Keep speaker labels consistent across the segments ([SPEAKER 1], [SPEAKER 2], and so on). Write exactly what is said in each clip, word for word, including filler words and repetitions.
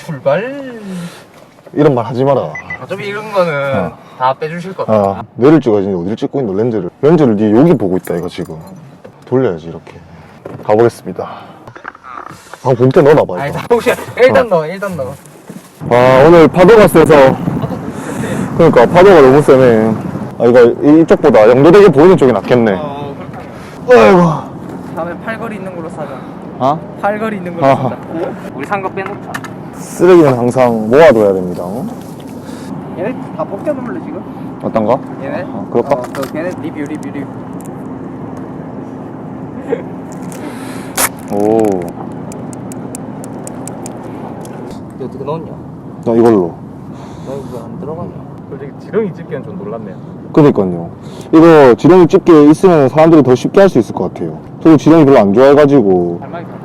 [SPEAKER 1] 출발.
[SPEAKER 2] 이런 말 하지 마라.
[SPEAKER 1] 어차피 이런 거는
[SPEAKER 2] 어.
[SPEAKER 1] 다 빼주실 거다.
[SPEAKER 2] 아, 뇌를 찍어야지. 어디를 찍고 있노, 렌즈를. 렌즈를 니 여기 보고 있다, 이거 지금. 돌려야지, 이렇게. 가보겠습니다. 아, 봉태 넣어놔봐,
[SPEAKER 1] 아니,
[SPEAKER 2] 이거.
[SPEAKER 1] 다 혹시 일단
[SPEAKER 2] 어.
[SPEAKER 1] 넣어, 일단 넣어.
[SPEAKER 2] 아, 오늘 파도가 세서. 그러니까, 파도가 너무 세네. 아, 이거 이쪽보다 영도되게 보이는 쪽이 낫겠네.
[SPEAKER 1] 어, 그렇게 하면.
[SPEAKER 2] 아이고.
[SPEAKER 1] 다음에 팔걸이 있는 걸로 사자.
[SPEAKER 2] 어?
[SPEAKER 1] 팔걸이 있는 걸로
[SPEAKER 2] 아.
[SPEAKER 1] 사자. 우리 산 거 빼놓자.
[SPEAKER 2] 쓰레기는 항상 모아둬야 됩니다. 어?
[SPEAKER 1] 얘네 다 벗겨놓을래, 지금?
[SPEAKER 2] 어떤가?
[SPEAKER 1] 얘네?
[SPEAKER 2] 어, 그럴까?
[SPEAKER 1] 어, 그 걔네 리뷰, 리뷰, 리뷰.
[SPEAKER 2] 오.
[SPEAKER 1] 이거 어떻게 넣었냐?
[SPEAKER 2] 나 이걸로.
[SPEAKER 1] 나 이거 안 들어가냐? 솔직히 지렁이 집기엔 좀 놀랐네요.
[SPEAKER 2] 그니까요. 이거 지렁이 집게 있으면 사람들이 더 쉽게 할 수 있을 것 같아요. 저도 지렁이 별로 안 좋아해가지고.
[SPEAKER 1] 할 말이 많아.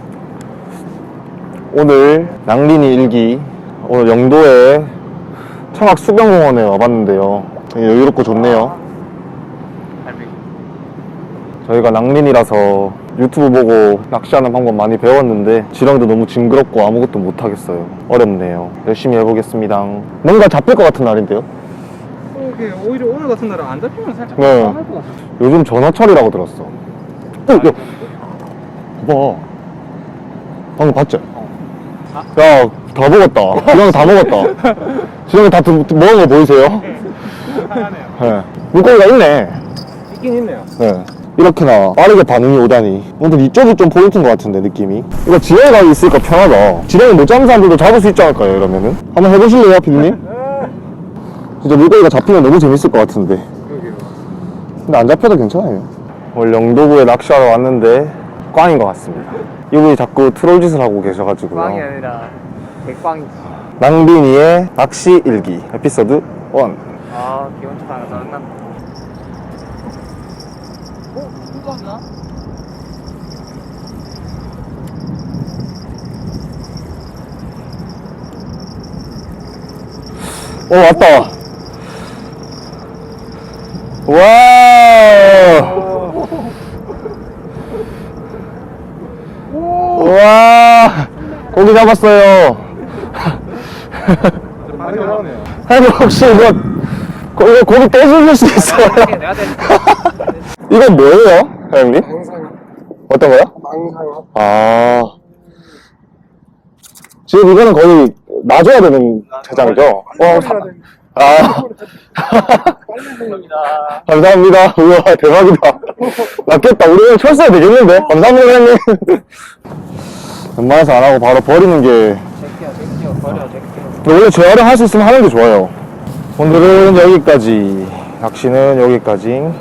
[SPEAKER 2] 오늘 낭린이 일기, 오늘 영도에 청학 수변공원에 와봤는데요. 되게 여유롭고 좋네요.
[SPEAKER 1] 할비.
[SPEAKER 2] 저희가 낭린이라서 유튜브 보고 낚시하는 방법 많이 배웠는데 지렁이도 너무 징그럽고 아무것도 못하겠어요. 어렵네요. 열심히 해보겠습니다. 뭔가 잡힐 것 같은 날인데요?
[SPEAKER 1] 이게 오히려 오늘 같은 날은 안 잡히면 살짝
[SPEAKER 2] 네.
[SPEAKER 1] 불안할 것 같아.
[SPEAKER 2] 요즘 전화철이라고 들었어. 어, 야. 봐봐. 방금 봤지? 야, 다 먹었다. 지렁이 다 먹었다. 지렁이 다 드, 드, 먹은 거 보이세요?
[SPEAKER 1] 하네요.
[SPEAKER 2] 네. 물고기가 있네.
[SPEAKER 1] 있긴 있네요.
[SPEAKER 2] 네. 이렇게나 빠르게 반응이 오다니. 오늘 이쪽이 좀 포인트인 것 같은데, 느낌이. 이거 지렁이가 있으니까 편하다. 지렁이 못 잡는 사람들도 잡을 수 있지 않을까요, 이러면은? 한번 해보실래요, 피디님? 진짜 물고기가 잡히면 너무 재밌을 것 같은데. 근데 안 잡혀도 괜찮아요. 오늘 영도구에 낚시하러 왔는데 꽝인 것 같습니다. 이분이 자꾸 트롤 짓을 하고 계셔가지고요.
[SPEAKER 1] 꽝이 아니라 개꽝이지.
[SPEAKER 2] 낭빈이의 낚시 일기 에피소드 일.
[SPEAKER 1] 아, 기분 좋다. 짜증난다. 어? 누가나?
[SPEAKER 2] 오, 왔다. 와. 와. 고기 잡았어요.
[SPEAKER 1] 많이 나오네요.
[SPEAKER 2] 아니, 혹시 이거, 고, 이거 고기 떼주실 수 있어요?
[SPEAKER 1] 내가 될
[SPEAKER 2] 이건 뭐예요, 사장님?
[SPEAKER 1] 망상어.
[SPEAKER 2] 어떤 거요?
[SPEAKER 1] 망상어.
[SPEAKER 2] 아. 지금 이거는 거의 놔줘야 되는 대장이죠? 어, 사, 아.
[SPEAKER 1] 감사합니다.
[SPEAKER 2] 감사합니다. 우와, 대박이다. 낫겠다. 우리 오늘 철수해야 되겠는데? 감사합니다, 사장님. 웬만해서 안 하고 바로 버리는 게.
[SPEAKER 1] 제끼야, 제끼야. 버려, 제끼야.
[SPEAKER 2] 원래 재활용할 수 있으면 하는 게 좋아요. 오늘은 여기까지. 낚시는 여기까지.